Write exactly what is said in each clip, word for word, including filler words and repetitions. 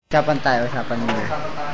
Usapan tayo, usapan mo. Usapan tayo.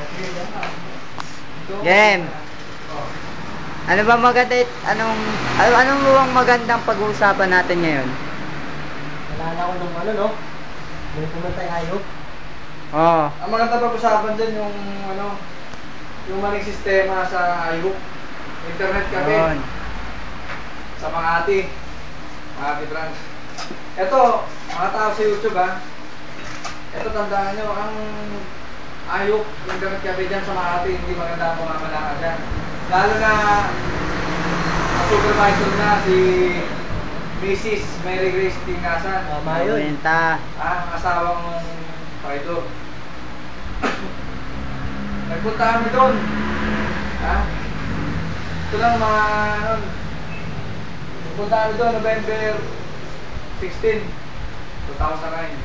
Game. Ano ba maganda, anong, ano, anong luwang magandang pag-uusapan natin ngayon? Nalala ko nung ano, no? May pumunta yung ayok. Oo. Ang maganda pag-usapan dyan yung ano, yung maling sistema sa ayok. Internet cafe. Yun. Sa Makati. Makati branch. Ito, mga tao sa YouTube ha. Ito tandaan nyo, ang ayok, internet cafe dyan sa Makati, hindi maganda ang pamamalakad dyan. Lalo na ang supervisor na si Missus Mary Grace Tingasan. Tama yun. Benta. Ah, ang asawang Paido. Nagpunta kami doon. Ha? Ito lang mga ano. Nagpunta kami doon November sixteenth, two thousand nine.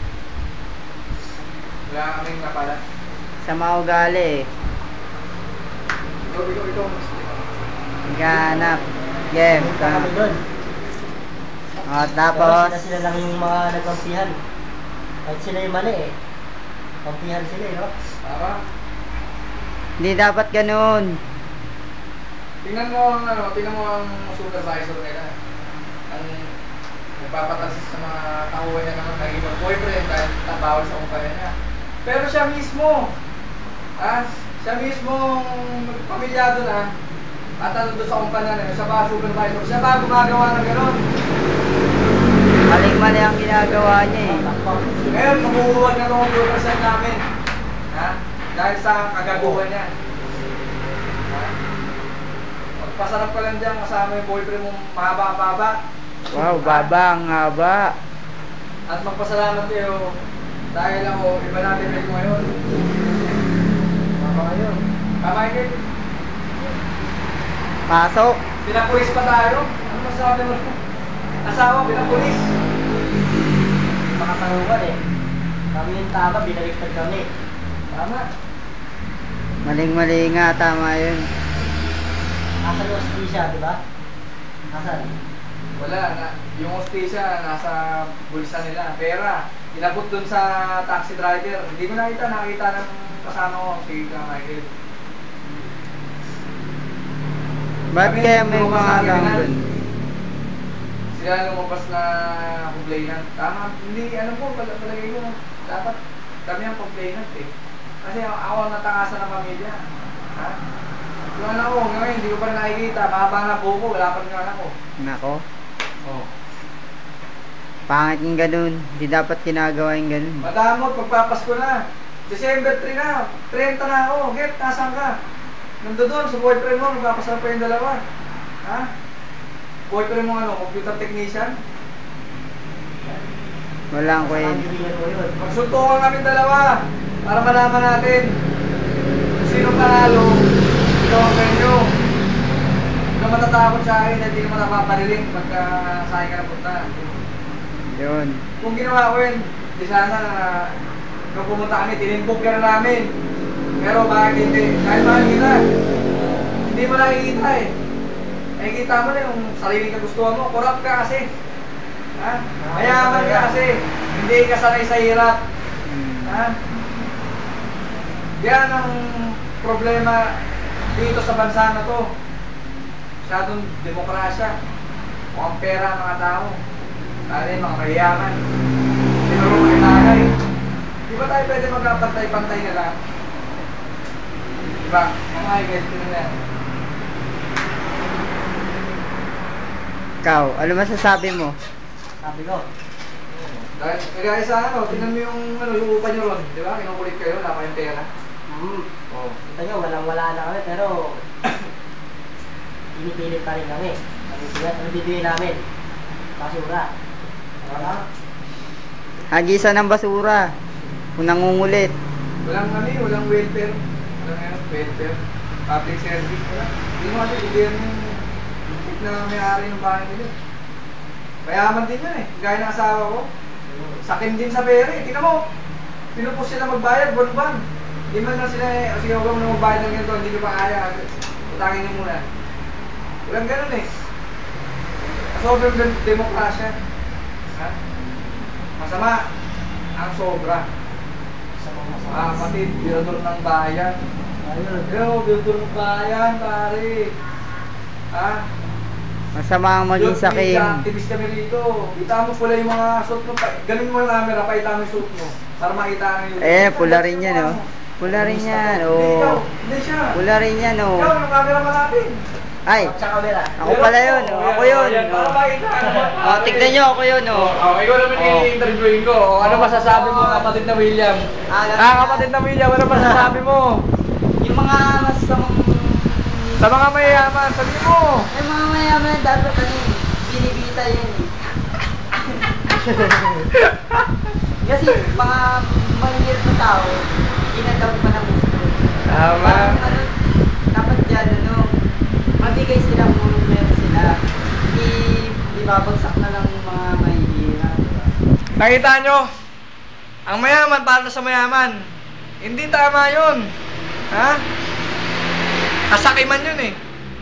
Wala kaming napala. Sa maugali eh. Ikaw, ikaw, ikaw. Ganap. Game. Pumunta kami doon. O, Pero tapos, sila, sila lang yung mga nagkampihan. Kahit sila yung mali eh. Kampihan sila eh, no? Tama? hindi dapat ganun. Tingnan mo ang ano, tingnan mo ang supervisor nila. Ang nagpapatalsis sa mga tauhan niya ng naging boyfriend dahil bawal sa kumpanya niya. Pero siya mismo, ah, siya mismo pamilyado na at ano doon sa kumpanya niya, siya ba supervisor, siya ba gumagawa ng gano'n? Maling-mali ang ginagawa niya eh. Ngayon, mabubuwag na itong percent namin. Ha? Dahil sa kagaguhan niya. Ha? Magpasarap ka lang dyan kasama yung boyfriend mong mahaba-haba. Wow, baba, ang haba. At magpasalamat kayo dahil ako, iba natin medyo ngayon. Tama ngayon. Tama yun. Pasok. Pinapulis pa tayo. Ano masasabi mo? Asawa, pinapulis. Makatanungan eh. Kami yung tama, binaliktad kami. Tama. Maling-mali nga, tama yun. Asan yung hostisya, di ba? Asan? Wala na. Yung hostesya nasa bulsa nila. Pera. Inabot dun sa taxi driver. Hindi ko nakita. Nakita ng kasama ko. Si Michael. Ba't Kami, kaya may lumabas mga na lang kriminal. dun? Sila lumabas na complainant. Tama. Hindi, ano po, pal palagay ko. Dapat kami ang complainant eh. Kasi ako ang natangasan ng pamilya. Ha? Yung anak ko, ngayon, hindi ko pa rin nakikita. Mahaba na po ko. Wala pa rin yung anak ko. Nako. Oh. Pangit yung ganun. Hindi dapat ginagawa yung ganun. Madamot, pagpapasko na. December three na. thirty na ako. Get, nasaan ka? Nandun doon, sa boyfriend mo, magpapasarap pa yung dalawa. Ha? Boyfriend mo ano, computer technician? Walang Sa kwenta. kaibigan mo yun. Magsuntukan kami dalawa para malaman natin kung sino panalo, ikaw ang venue. Huwag ka matatakot sa akin, hindi ka matapapariling pagka sa akin ka napunta. Yun. Kung ginawa ko yun, di sana na nung pumunta kami, tinimpok ka na namin. Pero bakit hindi? Dahil mahal kita. Hindi mo nakikita eh. Nakikita mo na yung sariling kagustuhan mo. Corrupt ka kasi. Ha? Mayaman ka kasi. Hindi ka sanay sa hirap. Ha? Yan ang problema dito sa bansa na to. Masyadong demokrasya. Mukhang pera ang mga tao. Lalo yung mga mayayaman. Sinuro mga tagay. Di ba tayo pwede magkapantay-pantay na lang? Diba? Mga guys, yun na yan. Ikaw, ano masasabi mo? Sabi ko. Dahil, kaya sa ano, tingnan mo yung, ano, yung upa nyo ron. Di ba? Kinukulit kayo, wala pa yung pera. Hmm. Oo. Kita nyo, walang-wala na kami, pero pinipilit pa rin kami. Ano bibigyan, ano bibigyan namin? Basura. Tama? Hagisan ng basura. Kung nangungulit. Walang ano yun, walang welfare. Walang ano, welfare. Public service. Wala. Hindi mo kasi, hindi yan yung tip na may-ari ng bahay nila. Mayaman din yun eh. Gaya ng asawa ko. Sakin din sa pera eh. Tingnan mo. Pinupos sila magbayad, buwan-buwan. Hindi man lang sila eh, sige huwag mo na magbayad ng ganito, hindi ko pa kaya. Utangin niyo muna. Walang ganun eh. Sobrang demokrasya. Ha? Masama ang sobra. Mga kapatid, birador ng bayan. Ayun. Yo, birador ng bayan, pare. Ha? Masama ang maging Yun, sakim. media activist kami rito. Kita mo pula yung mga suit mo. Pa- Ganun mo yung camera, paita mo yung suit mo. Para makita na yung... Eh, pula rin yan, oh. Pula rin yan, Hindi, ikaw. oh. Hindi siya. Pula rin yan, Ikaw, oh. yung camera pa natin. Ay, Sa camera. ako pala yun, oh. Ako yun. Yan, para Oh, makita ka naman. oh tignan nyo, ako yun, oh. Oh, ikaw naman Oh. i-interviewin ko. Oh, ano masasabi mo, kapatid na William? Ah, kapatid na William, ano masasabi mo? Yung mga masamang... Sa mga mayayaman, sabi mo. Yung mga mayaman, dapat ano yun, binibita yun, eh. Kasi mga mahirap na tao, ginagawa pa ng gusto. Tama. Parang ano, dapat dyan, ano, mabigay sila kung meron sila. Hindi, di babagsak na lang yung mga mahihirap. Diba? Nakita nyo? Ang mayaman para sa mayaman. Hindi tama yun. Ha? Kasakiman yun eh.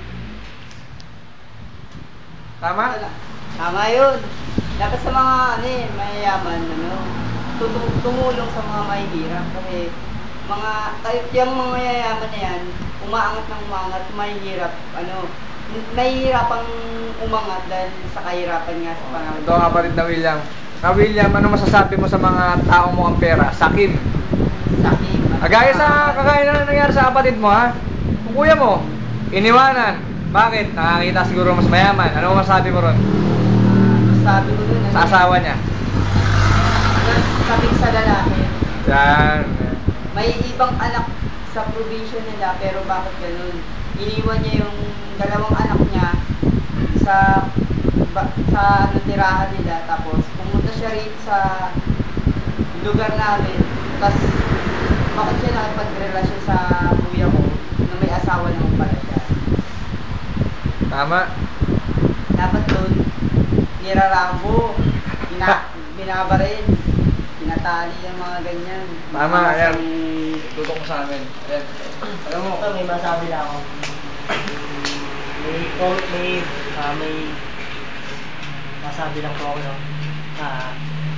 Tama? Tama yun. Dapat sa mga ano eh, mayayaman, ano, tutu- tumulong sa mga mahihirap. Kasi mga, kahit yung mga mayayaman na yan, umaangat ng umangat, mahihirap, ano, nahihirapang umangat dahil sa kahirapan nga sa panahon. Ito ang kapatid na William. Na William, ano masasabi mo sa mga taong mo ang pera? Sakim. Sakim. Agaya sa kagaya na nangyari sa kapatid mo ha? Kung kuya mo, iniwanan. Bakit? Nakakita siguro mas mayaman. Ano masasabi mo ron? Sabi ko dun, ano, Sa asawa niya. sabi sa lalaki, Yan. may ibang anak sa probinsya nila, pero bakit ganun? Iniwan niya yung dalawang anak niya sa ba, sa ano, tirahan nila, tapos pumunta siya rito sa lugar namin, tapos bakit siya nakipagrelasyon sa kuya ko na may asawa naman pala siya. Tama. Dapat doon, nirarambo, bina, binabaril, pinatali yung mga ganyan. Tama, Mga ayan. masang- Tutok mo sa amin. Ayan. Alam mo, Ito, may masabi na ako. May, comment, may, ah, may, masabi lang po ako, no? Ah,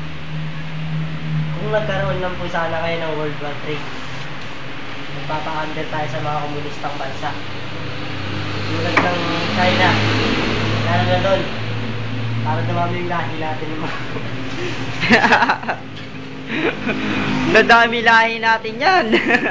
kung nagkaroon lang po sana kayo ng World War three, magpapa-under tayo sa mga komunistang bansa. Tulad ng China, lalo na doon, para dumami yung lahi natin yung mga... Nadami lahi natin yan.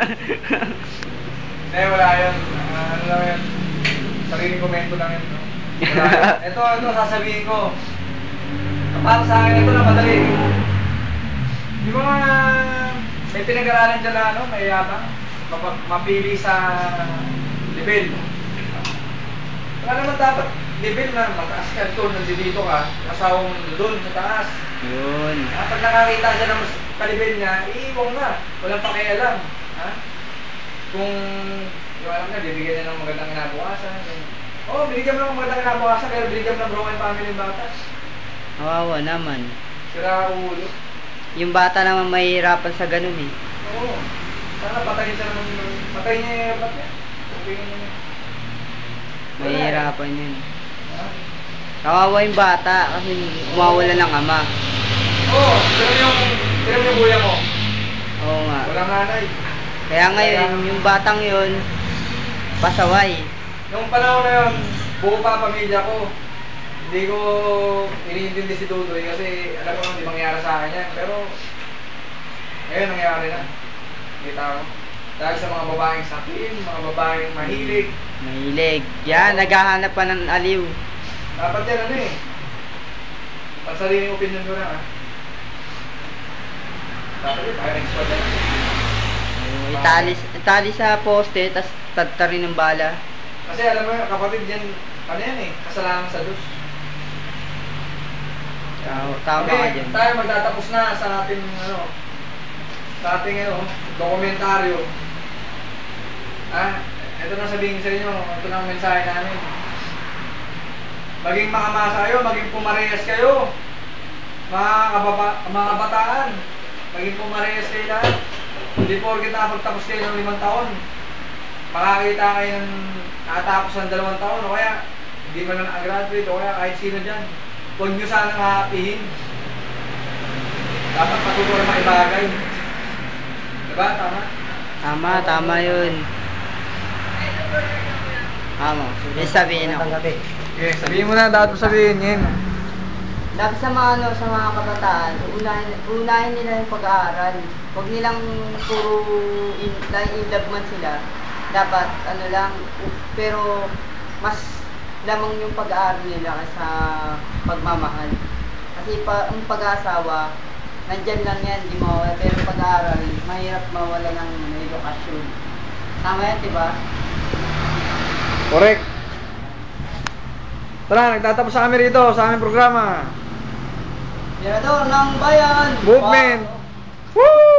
hindi, wala yun. Ah, ano lang yun? Sariling komento lang yun. No? Wala yun. Ito, ito, sasabihin ko. Para sa akin, ito na madali. Yung mga may pinag-aralan dyan na ano, may yabang, mapa- mapili sa level. Wala naman dapat level na mataas ka doon, nandito ka, asawa mo doon sa taas. Yun. Ah, pag nakakita siya ng mas kalibel niya, iiwang na. Walang pakialam. Ha? Kung yung alam na, bibigyan niya ng magandang kinabukasan. Oo, oh, binigyan mo ng magandang kinabukasan, pero binigyan mo ng broken family yung batas. Kawawa naman. Sira ulo. Yung bata naman mahihirapan sa ganun eh. Oo. Sana patayin siya naman. Patayin niya yung ba't niya. Okay niya. Mahihirapan yun. Ha? Kawawa yung bata kasi umawala ng ama. Oo, oh, pero yung, pero yung buya mo, Oo nga. walang nanay. Kaya ngayon, yung batang yun, pasaway. Nung panahon na yun, buo pa ang pamilya ko. Hindi ko iniintindi si Dudoy kasi alam ko hindi mangyari sa akin yan. Pero ngayon nangyari na. Kita ko. Dahil sa mga babaeng sakin, mga babaeng mahilig. Mahilig. Yan, naghahanap pa ng aliw. Dapat yan ano eh. Pansariling opinion ko lang ah. Dapat yun, tayo next one yan. Itali, itali sa poste, tas tadtarin ng bala. Kasi alam mo yun, kapatid yan, ano yan eh, kasalanan sa Diyos. Tama, tama ka Okay, dyan. tayo magtatapos na sa ating ano, sa ating ano, dokumentaryo. Ah, ito na sabihin sa inyo, ito na ang mensahe namin. Maging makamasa kayo, maging pumarehas kayo. Mga kababa, mga kabataan, maging pumarehas kayo lahat. Hindi porket nakapagtapos kayo ng limang taon, makakita kayo ng nakatapos ng dalawang taon, o kaya hindi man na nakagraduate, o kaya kahit sino dyan. Huwag nyo sanang hahapihin. Dapat matuto na maibagay. Diba? Tama? Tama, tama yun. Tama. Yung sabihin ako. Magandang gabi. Okay, sabihin mo na, dapat mo sabihin yun. Dapat sa mga ano, sa mga kabataan, unahin, unahin nila yung pag-aaral. Huwag nilang puro in, dahil in love man sila. Dapat ano lang, u- pero mas lamang yung pag-aaral nila kaysa pagmamahal. Kasi pa, ang pag-aasawa, nandyan lang yan, di mawala. Pero pag-aaral, mahirap mawala ng edukasyon. Tama yan, di ba? Correct. Tara, nagtatapos sa kami rito, sa aming programa. Mirador ng bayan! Movement! Woo!